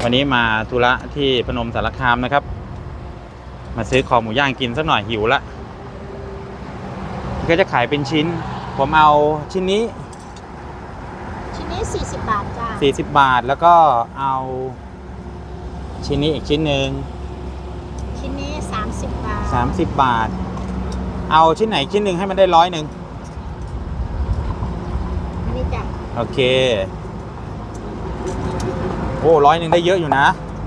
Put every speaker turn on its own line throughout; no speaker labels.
วันนี้มาธุระที่พนมสารคามนะครับมาซื้อคอหมูย่างกินสักหน่อยหิวละก็จะขายเป็นชิ้นผมเอาชิ้นนี้
40 บาทจ้า
40 บาทแล้วก็เอาชิ้นนี้อีกชิ้นหนึ่ง
ชิ้นนี้30 บาท
30 บาทเอาชิ้นไหนชิ้นหนึ่งให้มันได้100
อันนี้จ้ะ
โอเคโอ้100ได้เยอะอยู่นะ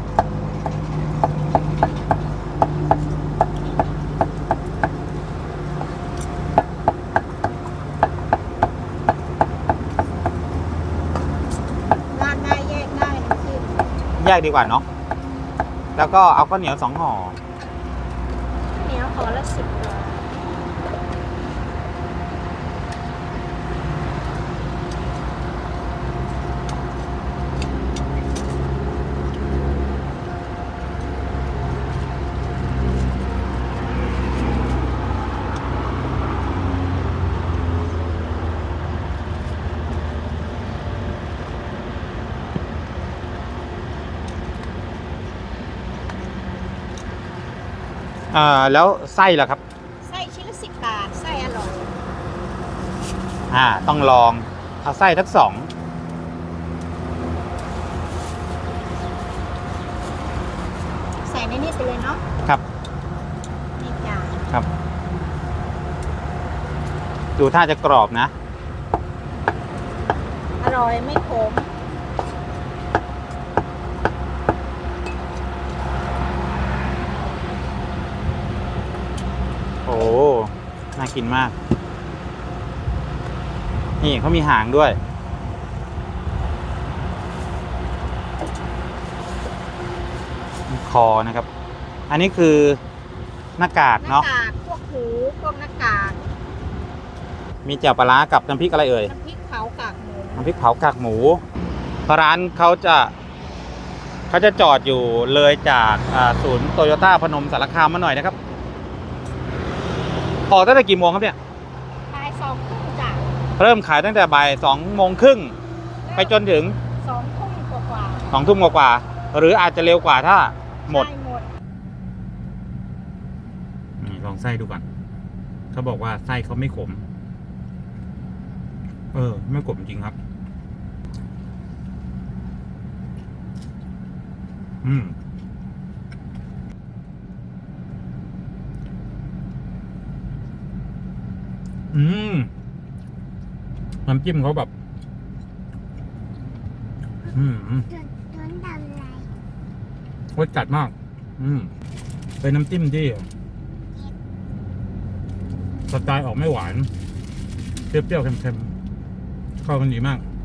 ราดได้แยกได้น้ำจิ้ม
แยกดีกว่าเนาะแล้วก็เอาข้าวเหนียว2 ห่อ
เหนียวห่อละ10 บาท
แล้วไส้ล่ะครับ
ไส้ชิ้นละ10 บาทไส้อร่อย
ต้องลองเอาไส้ทั้ง2
ใส่ในนี้ไปเลยเนาะ
ครับ
นี่จ้ะ
ครับดูท่าจะกรอบนะ
อร่อยไม่ขม
โอ้น่ากินมากนี่เขามีหางด้วยคอนะครับอันนี้คือหน้ากากเนาะ
หน้ากากพวกหูพวกหน้ากาก
มีแจ่วปลาร้ากับน้ำพริกอะไรเอ่ย
น้ำพริกเผากากหมู
น้ำพริกเผากากหมูร้านเขาจะจอดอยู่เลยจากศูนย์โตโยต้าพนมสารคามมาหน่อยนะครับออกตั้งแต่กี่โมงครับเนี่ย
บ่าย 2 ทุ่มจ้ะ
เริ่มขายตั้งแต่บ่าย 2 โมงครึ่งไปจนถึง
2 ทุ่มกว่า
2 ทุ่มกว่าหรืออาจจะเร็วกว่าถ้าหมดลองไส้ดูก่อนเขาบอกว่าไส้เขาไม่ขมไม่ขมจริงครับน้ำจิ้มเขาแบบรสจัดมากเป็นน้ำจิ้มที่สไตล์ออกไม่หวานเปรี้ยวๆเค็มๆเข้ากันดีมาก